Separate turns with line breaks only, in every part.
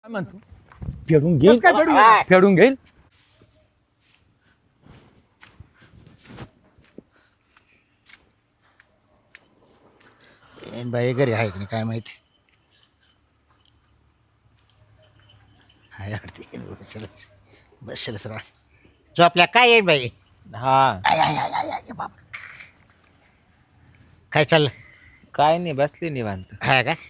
काय म्हणतो फेडून घेईल फेडून घेईल.
बाई घरी आहे की नाही काय माहिती. हाय वाटते बसेलच बसेलच राह जो आपल्या काय येईन बाई.
हा
आय आय आय आय आय बाबा काय चाललं.
काय नाही बसली निवांत.
हा का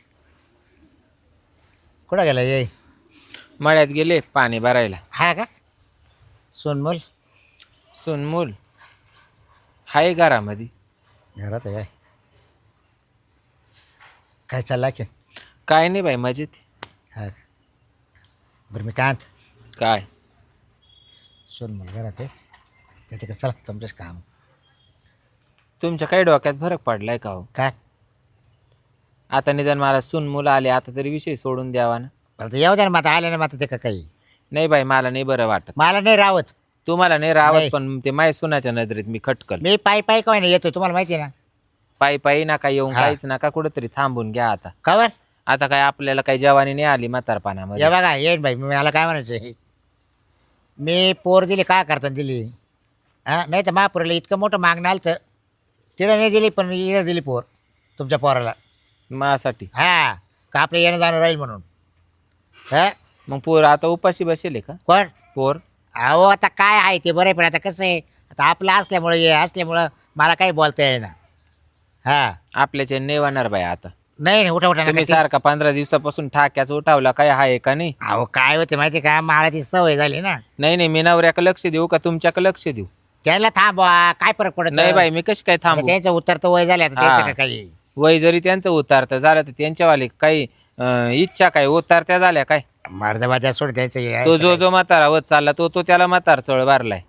कुठं गेला ये.
मळ्यात गेले पाणी भरायला.
हा का सोनमोल
सुनमूल हाय घरामध्ये.
घरात आहे काय चाललं की.
काय नाही बाई मजेत.
हा का बरं मी काय
काय
सोनमोल घरात आहे त्या तिकडे चला तुमचंच काम.
तुमच्या काही डोक्यात फरक पडलाय का हो.
काय
आता निदान मला सुनमूल आले आता तरी विषय सोडून द्यावा ना.
बरं तर येऊ द्या ना माता आल्या ना माता ते का काही
नाही बाई मला नाही बरं वाटत.
मला नाही रावत.
तुम्हाला नाही रावत
नाही.
पण ते माय सुनाच्या नजरेत मी खटकल.
मी पायी पायी काय नाही येतो तुम्हाला माहिती आहे ना.
पायी पायी नका येऊन
हा.
काहीच नका कुठेतरी थांबून घ्या आता.
कवर
आता काय आपल्याला काही जवानी नाही आली
या
म्हातारपणामध्ये.
बघा येईन बाई मला काय म्हणायचं मी पोर दिली काय करताना दिली. हां नाही तर महापुराला इतकं मोठं मागणं आलं तर तिला नाही दिली पण इकडे दिली पोर तुमच्या पोराला.
माझ्यासाठी
हा का आपलं येणं जाणं राहील म्हणून. हा
मग पोर आता उपाशी बसेल का
कोण
पोर.
अहो आता काय आहे ते बरं आहे पण आता कसं आहे आता आपलं असल्यामुळं हे असल्यामुळं मला काही बोलता येईना. हा
आपल्याच्या नेवाणार बाई आता.
नाही नाही उठा उठा
तुम्ही
नका.
सारखा 15 दिवसापासून ठाक्याच उठावला काय आहे का नाही.
अहो काय होते माहिती का मला ती सवय झाली ना.
नाही नाही मी नवऱ्याकडे लक्ष देऊ का तुमच्याकडे लक्ष देऊ.
त्याला थांबवा काय फरक पडत
नाही बाई मी कशी काय थांबू.
त्यांचं उत्तर तर वय झाले आता
हा.
त्यांचं काही.
वय जरी त्यांचं उतारतं झालं तर त्यांच्यावाले काही इच्छा काय उतारत्या झाल्या काय.
मर्दबाजा सोड द्यायचं हे
तो
आहे
जो
का
जो म्हातारा वत चालला तो तो त्याला म्हातार चळ मारलाय.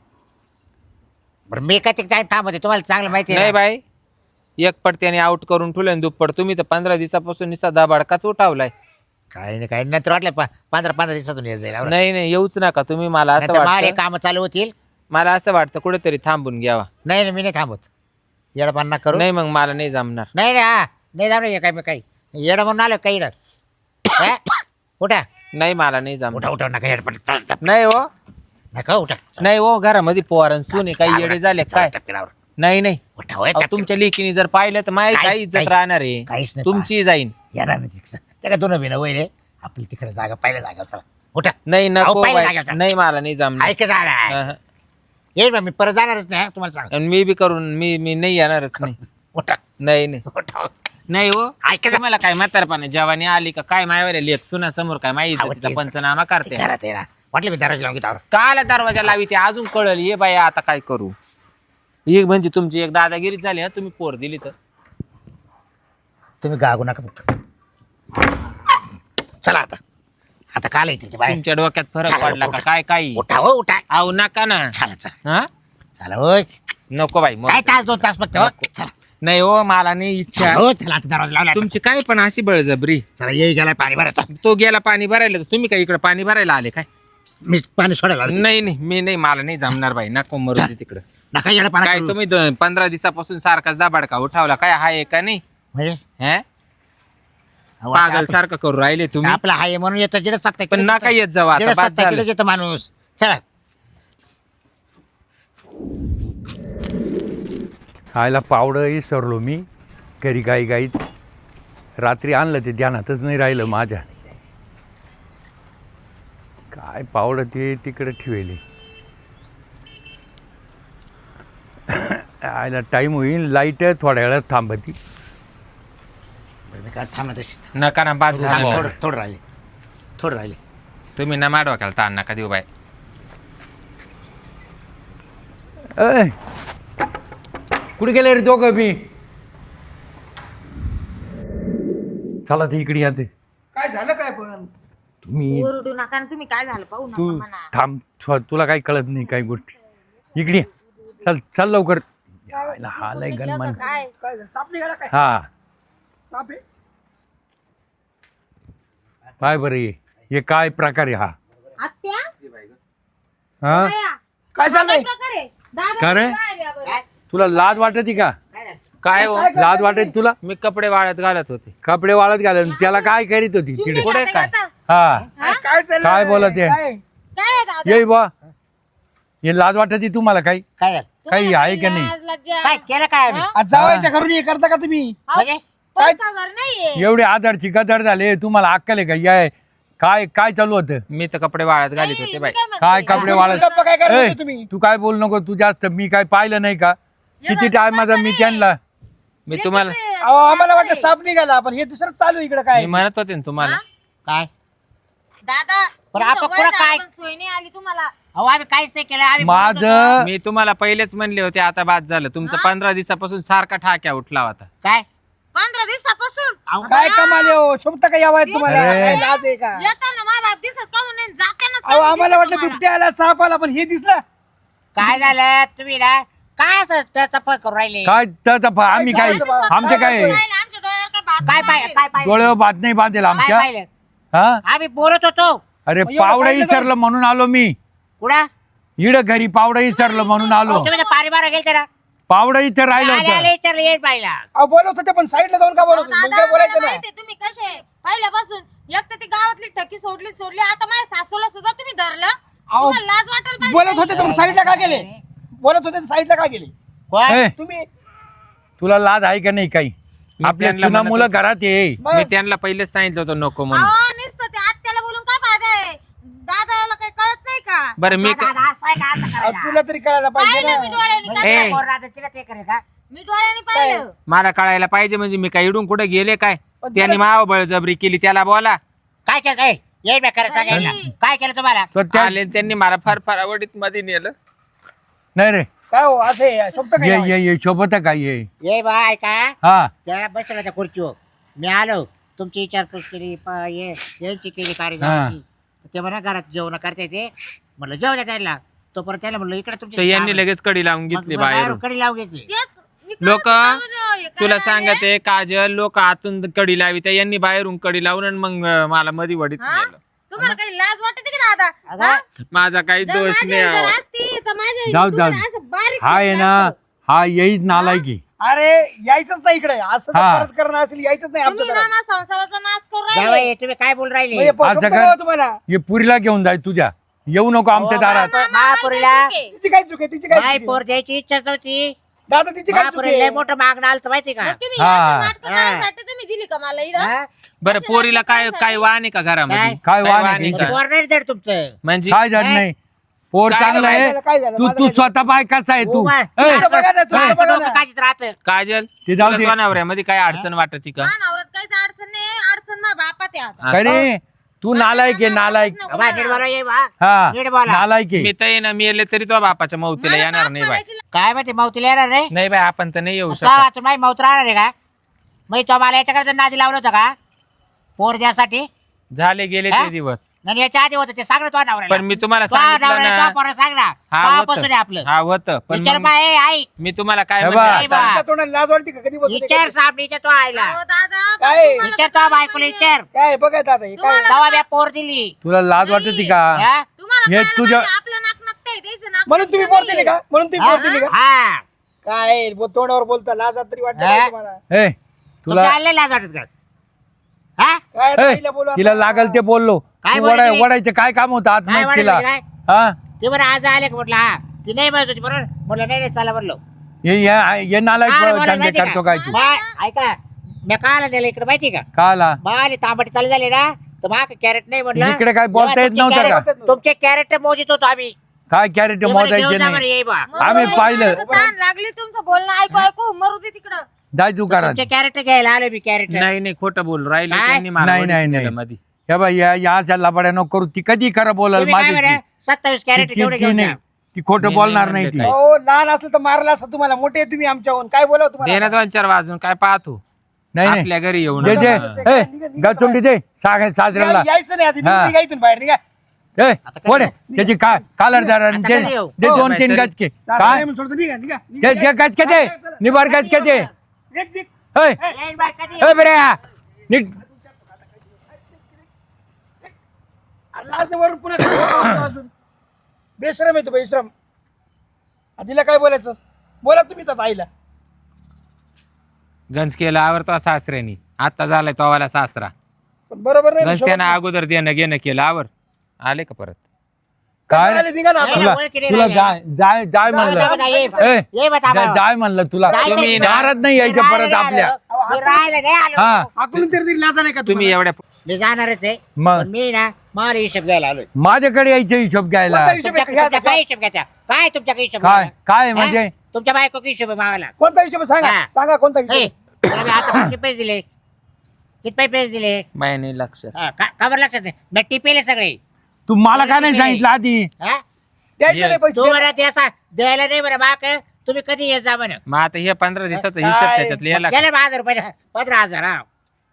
बरं मी काय टाइम थांबवते तुम्हाला चांगलं माहिती आहे
नाही
ना.
बाई एक पट त्याने आउट करून ठेवलं दुप्पट तुम्ही तर 15 दिवसापासून निसा दाबाडकाच उठावलाय.
काही नाही काही नंतर वाटलं 15 दिवसातून येत जाईल.
नाही नाही येऊच नका तुम्ही. मला असं
मला
वाटतं
काम चालू होतील.
मला असं वाटतं कुठेतरी थांबून घ्यावा.
नाही नाही मी नाही थांबत येडपणा करू.
नाही मग मला नाही जमणार.
नाही हा नाही थांबलं काय मी काही येड म्हणून आलो काही येड. हा? उठा
नाही मला नाही जमणार.
उठा उठा नका येडपण चल
नाही हो
नका उठा.
नाही हो घरामध्ये पोरण सुने काही येडे झाले काय.
टपकिनावर.
नाही नाही
उठा होय,
अहो,
टपकिन.
तुमच्या लेकीने जर पाहिलं तर माझी
काहीच-
काही इज्जत
काहीच-
राहणार आहे.
काहीच नाही
तुमची जाईन.
येणार नाही तिकडं. त्या का दोन बिना वय आपली तिकडे जागा पहिल्या जागा चला उठा.
नाही नको
अहो, पहिल्या
बाई.
जागेवर.
नाही मला नाही जमणार.
ऐक जाणार
अहं.
येईल मी परत जाणारच नाही हा, तुम्हाला सांग.
आणि मी बी करून मी नाही येणारच नाही.
उठा
नाही नाही
उठा
नाही हो
ऐका जा.
मला काय म्हातारपणा जवानी आली का काय मायवर लेख सुना समोर काय माहिती
अहो,
तिचा
तेच.
पंचनामा करते.
घरात आहे ना वाटलं मी दरवाजा लावून घेतो.
काला दरवाजा लावी ते अजून कळल. ये बाई आता काय करू. ही म्हणजे तुमची एक दादागिरीच झाली. तुम्ही पोर दिली तर
तुम्ही गागू नका फक्त. चला आता आता काल येते ते बाहेर.
तुमच्या डोक्यात फरक
चला,
पडला का
उठा.
काय काही.
उठा हो उठा.
आहो नका ना.
चला चला
हा
चला होय
नको बाई मग.
काय तास 2 तास फक्त हो. चला
नाही हो मला नाही इच्छा.
हो चला आता दरवाजा लावला.
तुमची काय पण अशी बळजबरी.
चला येई गेला पाणी भरायचं.
तो गेला पाणी भरायला तर तुम्ही काय इकडे पाणी भरायला आले काय.
मी पाणी सोडायला लावलं.
नाही नाही मी नाही मला नाही जमणार बाई. नको मरू दे तिकडं.
नका येणं पाणी
काय
करू.
तुम्ही 15 दिवसापासून सारखाच दाबाडका उठावला काय आहे का नाही.
म्हणजे
हे
अहो,
पागल
आता
सारखं करू राहिले तुम्ही.
आपला हाय म्हणून येतं जिडे सत्ता
पण नका येत जाऊ आता बाद झालं.
येतं माणूस. चला
खायला पावडं विसरलो मी घरी गाई गाईत. रात्री आणलं ते ध्यानातच नाही राहिलं माझ्या. काय पावडं ते तिकडे ठेवले. आयला टाईम होईल. लाईट थोड्या वेळात थांबती.
बरं, मी काय थांबणार तशी.
नका ना बाद
थोडं
झालं.
थोडं राहिले थोडं राहिले.
तुम्ही ना माडवा केला ताण नका देऊ बाई.
अय कुठे गेले रे दोघं बी. चला ते इकडे या ते.
काय झालं काय पण.
तुम्ही
ओरडू नका आणि तुम्ही काय झालं पाहू
तू
नका म्हणा.
थांब तुला काही कळत नाही काही गोष्टी. इकडे ये. चल चल लवकर. यायला हा लय गणमान.
काय
काय झालं साप निघाला काय.
हा
साप आहे.
काय बरं हे काय प्रकार आहे हा.
आत्या
हा
बाया,
काय
हा
झालंय.
प्रकार आहे? दादा
का रे?
बाहेर या बरं.
तुला लाज वाटते का.
काय हो
लाज वाटते तुला.
मी कपडे वाळत घालत होते.
कपडे वाळत घालून त्याला काय करीत होती तिकडे.
पुढे काय
आता
हा
हा?
काय चाललंय?
काय बोलत आहे?
काय?
काय आहे दादा
ये बा हे लाज वाटत तुम्हाला काही
काय झालं?
काही
तुम्हाला
आहे का नाही?
लाज, लज्जा.
काय केलं काय आम्ही?
आज जावायच्या घरून हे करता का तुम्ही?
अहो,
म्हणजे
पण
काहीच-
घर नाहीये
एवढे आधारची गदर झाले तुम्हाला अक्कल आहे का या काय काय चालू होतं
मी तर कपडे वाळत घालीत होते बाई.
काय कपडे वाळत
गप्पा काय करत
ए,
होते तुम्ही?
तू काय बोलू नको तू जास्त मी काय पाहिलं नाही का किती टायमाचा मी त्यांना
मी तुम्हाला
अहो, आम्हाला वाटलं साप निघाला पण हे दुसरं चालू आहे इकडे काय
मी म्हणत होते ना तुम्हाला
काय
दादा
पण
तुमचं
आपण
वय
पुढं
झालं
काय?
पण सोय नाही आली तुम्हाला
अहो आम्ही काहीच नाही केलं आम्ही बोलत होतो.
माझं
मी तुम्हाला पहिलेच म्हणले होते आता बाद झालं तुमचं 15 दिवसापासून सारखा ठाक्या उठला होता.
काय
15 दिवसापासून
अहो,
काय कमाल आहे हो? शोभता का यावं तुम्हाला
अरे.
काय लाज आहे का?
येताना मा बाप दिसत का म्हणून जातानाच
अहो
कमी
आम्हाला
दिसत
वाटलं
तुम्हाला.
बिबट्या आला साप आला पण हे दिसलं.
काय झालं तुम्ही ना काय असं त्याचा पळ करून राहिले
काय तर आम्ही काय
काय झालं?
आमचे काय
पाहिलं, आमच्या डोळ्यावर काय बात
काय
नाही.
पाहिलं काय पाहिलं
डोळ्यावर बात नाही बांधेल
काय
आमच्या
पाहिलं
हा
आम्ही बोलत होतो
अरे
मग एवढं
पावडं
सांगितलं तर-
विसरलं म्हणून आलो मी
कुठं
इड घरी पावडं विसरलं म्हणून आलो
तुम्ही तर पारी मारा गेलते ना
पावडं इथं राहिलं
आले आले
होतं
विचारलं येईल बाईला
अहो बोलत होते पण साईडला जाऊन का बोलत होते? मग
दादा,
काय बोलायचं
मला
ना?
माहितीये तुम्ही कसे पहिल्यापासून एक तर ती गावातली ठकी सोडली आता माझ्या सासूला सुद्धा तुम्ही धरलं
अहो,
तुम्हाला लाज वाटेल पाहिजे.
बोलत होते तर मग साईडला का गेले? बोलत होते तर साईडला का गेले?
कोण?
ए,
तुम्ही
तुला लाज आहे का नाही काही
मी
आपल्या
त्यांना
जुना
म्हणत
मुलं
होतो.
घरात ये
मग
मी त्यांना पहिलेच सांगितलं होतं नको म्हणून.
अहो, नुसतं ते आत्याला बोलून काय फायदा आहे दादाला काही कळत नाही का
बरं मी
दादा, दादा, असं आहे का? असं
अहो,
करायला?
तुला तरी कळायला पाहिजे
पाहिलं मी
ना.
डोळ्यांनी
म्हणजे
काय
ए.
तिला पोर राहतं, तिला ते करेल का?
मी डोळ्यांनी पाहिलं
मला कळायला पाहिजे म्हणजे मी काय इडून कुठे गेले काय
पण
त्यांनी
तुला-
माव बळजबरी केली त्याला बोला.
काय केलं ए, ये बे खरं सांगायला काय केलं तुम्हाला
तर त्या
आले आणि त्यांनी मला फार फार आवडीत मध्ये नेलं.
नाही रे
काय हो असं आहे? शोभतं का
ये
यावं?
ये ये शोभत काय ये
ये बाय का
हा
त्या बसला त्या खुर्चीवर मी आलो तुमची विचारपूस केली यांची केली
हा.
कार्यक्रम ते म्हणा घरात जेवण करता येते म्हटलं जेव द्या त्याला तोपर्यंत त्याला म्हटलं इकडे
तर
तुमची
यांनी लगेच कडी लावून घेतली बाहेरून.
कडी लावून घेतली
तेच मी काय
लोक
म्हणतो, हे
तुला
करायला आले.
सांगते काजल लोक आतून कडी लावी त्या यांनी बाहेरून कडी लावून आणि मग मला मधी वडीत
हा?
नेलं.
तुम्हाला काही लाज वाटते का दादा
अगं,
हा?
माझा काही
जर
दोष
माझ्या
नाही
जर
आहो.
असती तर माझ्या
जाऊ,
तुम्हाला
जाऊ.
असं बारीक
हा आहे
केलं
ना
असतं.
हा येईच नालायकी
अरे यायचंच नाही इकडे असं जर
हा.
परत करणं असेल यायचंच नाही
तुम्ही
आमच्या
ना
घरात.
माझ्या संसाराचा नाश करून राहिले
जावई, तुम्ही काय बोल राहिले
म्हणजे
असं
शोभतं
काय?
का हो तुम्हाला?
हे पुरीला घेऊन जाय तुझ्या येऊ नको आमच्या दारात
महापुरीला
तिची काय चुकी आहे? तिची काय
माय
चुकी आहे?
पोर द्यायची इच्छा नव्हती
दादा तिची काय चुकी
महापुरीला लय
आहे?
मोठं मागणं आलं होतं माहिती का
मग तुम्ही
हा.
अशी नाटकं करायसाठी तुम्ही दिली का मला इकडं?
हा?
बरं पोरीला काय काय वाण आहे का घरामध्ये
काय?
काय वाण आहे
आहे
तिचं?
का?
पोर नाही देत तुमचं
म्हणजे
काय झालं नाही पोर
काय
चांगलं
झालं,
आहे
काय झालं?
तू
माझं
तू
काय
स्वतः बाय कसा आहे तू
उभा.
ए,
तुझं बघा ना, तुझं
सारखं
बघा
डोकं
ना.
काढीत राहतं
काजल
ते जाऊ दे.
तुला जनावरांमध्ये काय अडचण वाटत का?
मा नवऱ्यात काहीच अडचण नाही अडचण मा बापात आहे आता.
असं?
अरे तू नालायक आहे नालायक
नको
बाय,
मला.
नीट बोला, ये बा.
हा
नीट बोला.
नालायक आहे
मी तर येणं मी येले तरी तो बापाच्या मौतीला
मला
येणार
बाप
नाही बाय.
म्हणायची
काय माहिती मावतीला येणार रे
नाही बाय आपण तर नाही येऊ
तो
शकत.
तुम्ही मावत राहणार आहे का मग तो मला याच्याकडे नादी लावलं होतं का पोर द्यासाठी
झाले गेले
हा?
ते दिवस.
आणि याच्या आधी होतं ते सांग ना तो नवऱ्याला
पण मी तुम्हाला
तो
सांगितलं
नवऱ्याला
ना
तो पोरं सांग ना
हा
तेव्हापासून आहे
होतं
आपलं
हा होतं पण
विचार
मग
बाय ऐक
मी तुम्हाला काय
हे
म्हणलं
बा.
नाही बा.
असं?
त्या तोंडाला लाज वाटते का कधी बसून
विचार साहेब विचार तो आयला
अहो, दादा
काय?
तुम्हाला
विचार
तर
तो बायकोला विचार
काय बघा दादा हे काय
तेव्हा मी पोर दिली
तुला लाज वाटते का
हा?
तुम्हाला
हे
कळायला
तुझ्या-
पाहिजे, आपलं नाक नकटंय, त्याचं नाक
म्हणून तुम्ही
नकटं
पोर दिली का? म्हणून तुम्ही पोर दिली का?
हा
काय तोंडावर बोलता लाज तरी वाटत
हा?
तुम्हाला?
ए
तुला
तुला
लाज वाटत का हा
काय
ए,
ताईला बोलू आता?
तिला लागल ते बोललो
काय
तू
बोलली तुम्ही?
वडायचं काय काम होतं आत
काय
नाही
वाढायचं
तिला
काय?
हा
ते बरं आज आले का म्हटलं हा ती नाही म्हणत होती बरोबर म्हटलं नाही नाही चला म्हणलो
ये नालायक
काय बोलायला
धंदे
माहिती
करतो
का?
काय तू
बाय, ऐका मी काल नेलं इकडे माहिती का
काला
बाले तांबटी चालू झाले ना तर माग कॅरेट नाही म्हटलं
इकडे काय बोलता
तेव्हा
येत
तुमचे
नव्हतं
कॅरेट-
का?
तुमचे कॅरेट मोजित होतो आम्ही
काय कॅरेट
ते म्हणे,
मोजायचे
घेऊन जा
नाही
म्हणे, ये बा
मग
आम्ही
मला
पाहिलं.
तर ताण लागली तुमचं बोलणं ऐकू ऐकू मरू दे तिकडं
जाय तू करा
तुमचे कॅरेट घ्यायला आलो मी कॅरेट
नाही नाही खोटं बोल राहिले
काय?
त्यांनी मला
नाही,
वडीत
नाही,
नेलं
नाही.
मधी.
हे बाई या लबाड्या नको करू ती कधी खरं बोलाल
तुम्ही काय
माझी
म्हणे 27 कॅरेट तेवढे घेऊन
नाही
जा
ती खोटं
मी
बोलणार
नाही
नाही ती
म्हणले
हो लहान असलं तर मारलं असं तुम्हाला मोठे आहे तुम्ही आमच्याहून काय बोलाव
दे
तुम्हाला
ना 2-4 वाजून काय पाहतो
नाही नाही
आपल्या घरी येऊन
दे दे
हा.
ए गतुंडी दे साजऱ्याला
यायचं नाही आधी
हा.
निघा इथून बाहेर निघा
ए
आता कधी
कोण
येऊ?
त्याची कालरदार
आता
दे
कधी येऊ?
दे
हो,
2-3
नाहीतरी-
गचके
सासरे
काय
म्हणून सोडतो, निघा निघा
ते
निघा.
गचके दे निबार गचके दे
निघ, निघ.
ए
ये बाय, कधी येऊ?
ए बरे नीट
आणि लाज वरून पुन्हा अजून बेश्रम येतो बेश्रम आधीला काय बोलायचं बोला तुम्हीच आता आईला
गंज केला आवरतो सासऱ्यानी आता झालाय तोवाला सासरा
पण बरोबर नाही
घरच्यांना अगोदर देणं घेणं केलं आवर आले का परत
काय
आले निघा ना आता.
तुला तुला जाय जाय जाय म्हणलं ए,
ये बता
जाय म्हणलं तुला
जायचं
तुम्ही
नाही.
नाराज नाही यायचं परत आपल्या हा
आपण तरी दिली लाजा नाही का
तुम्ही एवढ्या
मी जाणारच आहे
मग
पण मी ना मला हिशोब घ्यायला आलोय
माझ्याकडे यायचं हिशोब घ्यायला
कोणता हिशोब आहे?
तुमच्या काय हिशोब घ्यायचा काय तुमच्या काय हिशोब
काय
घ्यायला?
काय म्हणजे
हा? तुमच्या बायको हिशोब आहे मावाला
कोणता हिशोब आहे? सांगा
हा.
सांगा कोणता
ए,
हिशोब
तुला मी आता किती पैसे दिले किती पैसे दिले
माय नाही लक्ष
हा, का बरं लक्षात नाही मी टिपेले सगळे
तू मला काय नाही सांगितलं आधी
हा?
द्यायचे नाही पैसे
तू मला त्याचा द्यायला नाही बरं बाक तुम्ही कधी येत जा म्हणे
मग आता हे 15 दिवसाचा हिशोब
काय?
त्याच्यात लिहायला
गेले 1000 रुपये 15,000 हा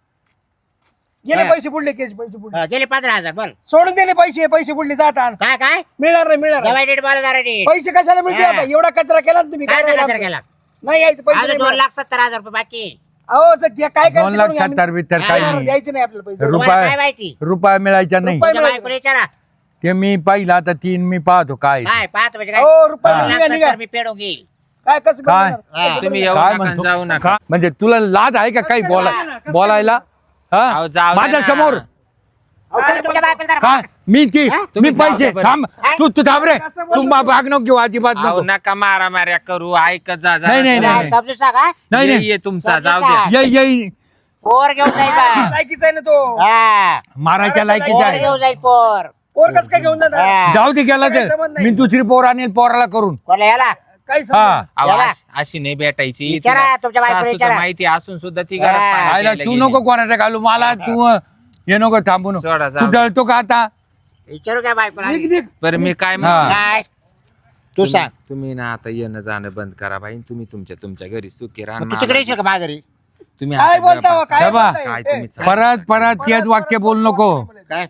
गेले
हा.
पैसे बुडले केस पैसे बुडले
हा, गेले 15,000 बोल
सोडून दिले पैसे बुडले जात आण
काय काय
मिळणार नाही मिळणार नाही.
जवाई डेट बोला जरा डेट
पैसे कशाला मिळते
हा.
आता एवढा कचरा केला ना तुम्ही
काय
काय राहिलं
कचरा
आपलं?
केला
नाही यायचं पैसे
अजून
नाही मिळणार.
2,70,000 रुपये बाकी
अहो जर काय करायचं
2 लाख
करून घ्या.
70 बित्तर
हा,
काही
नाही,
नाही
द्यायचे नाही आपल्याला पैसे
तुम्हाला काय
रुपये
माहिती
रुपया मिळायचा नाही
रुपये-
तुमच्या बायकोला विचारा
ते मी पाहिलं आता 3 मी पाहतो काय
काय पाहतो म्हणजे काय
हो रुपये
हा.
निघा निघा
2,70,000 मी पेडून घेईल
काय कसं
काय?
बनवणार?
हा.
कसं
तुम्ही
बनवणार?
येऊ
काय
नका
म्हणतो
जाऊ नका
का? म्हणजे तुला लाज आहे का काही बोलायला
अहो, जाऊ दे
माझ्या
ना.
समोर
अहो, तुम्ही तुमच्या बायकोला जरा
काय मी ती
हा?
मी
तुम्ही जाऊ
पैसे
दे बरं.
थांब तू थांब रे तू भाग नको घेऊ अजिबात
अहो
नको
नका मारा मार्या करू ऐकत जा जरा.
नाही, नाही, नाही.
समजून सांगा
नाही
ये
नाही
ये तुमचा
समजून
जाऊ
सांग.
दे
येई
पोर घेऊन जाईल बा.
लायकीचा आहे ना तो
हा
मारायच्या लायकीचा
पोर
आहे
घेऊन जाईल पोर
पोर कसं काय घेऊन जाणार
हा.
जाऊ दे गेला
काही
तर
संबंध नाही.
मी दुसरी पोर आणेल पोराला करून
कोणाला याला
काही
हा
समजा
अहो,
याला.
अशी नाही भेटायची
विचारा,
तिला
तुमच्या बायकोला
सासूचं
विचारा.
माहिती असून सुद्धा ती
हा.
घरात पाणी
आयला
प्यायला
तू
गेली.
नको कोणाला घालू मला तू हे नको थांबू नको
सोडा, जाऊ
तू
दे.
जळतो का आता
विचारू काय बायकोला
निघ निघ
बरं मी काय
हा.
म्हणतो
काय तू सांग
तुम्ही ना आता येणं जाणं बंद करा बाई तुम्ही तुमच्या घरी सुखी राहा
मग तू तिकडे येशील का माझ्या घरी
तुम्ही
काय
आता
बोलता हो,
गप्प
काय
हे बा.
बोलताय?
काय
ए,
तुम्ही
परत तेच वाक्य बोल नको
काय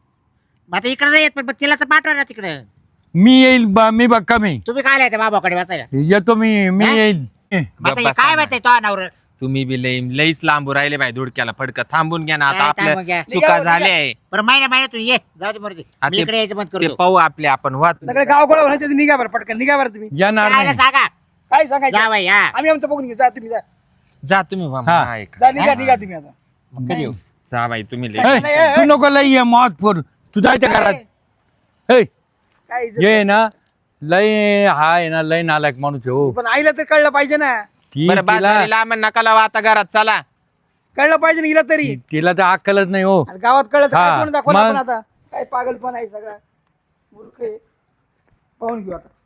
मग आता इकडे नाही येत पण तिला तर पाठवा ना तिकडे
मी येईल मी बघ कमी
तुम्ही काय लिहायचं बाबाकडे बसायला
येतो मी
हा?
येईल
मग आता हे
बसा
काय
ना.
माहिती तो नवर
तुम्ही बी लईच लांबू राहिले बाई धुडक्याला फडकं थांबून घ्या ना आता
काय थांबून
आपल्या
घ्या?
चुका
निघा,
झाल्या आहे
बरं महिन्यातून ये जाऊ दे मर्जी
आ,
मी
ते-
इकडे यायचं बंद
ते
करतो
पाहू आपले आपण वाच
सगळे गाव गोळा व्हायचे तर निघा बरं पटकन निघा बरं तुम्ही
येणार
काय
नाही
सांगा
काय सांगायचं
जा बाई हा
आम्ही आमचं बघून घेऊ जा तुम्ही जा
जा तुम्ही वा,
हा.
हा, ऐका.
जा निघा तुम्ही आता
मग कधी येऊ
जा बाई तुम्ही लई.
ए,
नाही,
तू नको लई ये मौत फोर तू जायच्या घरात ए
काय इज्जत
ये ना लय हा आहे ना लय नालायक माणूस आहे हो
पण आईला तर कळलं पाहिजे ना
ती
बरं
तिला
बाजारी लांब नका लावा आता घरात चला
कळलं पाहिजे ना हिला तरी
तिला तर अक्कलच नाही हो
आणि गावात कळलं तर
हा,
काय कोण दाखवलं
मग?
आपण आता काय पागलपण आहे सगळा मूर्ख आहे पाहून घेऊ आता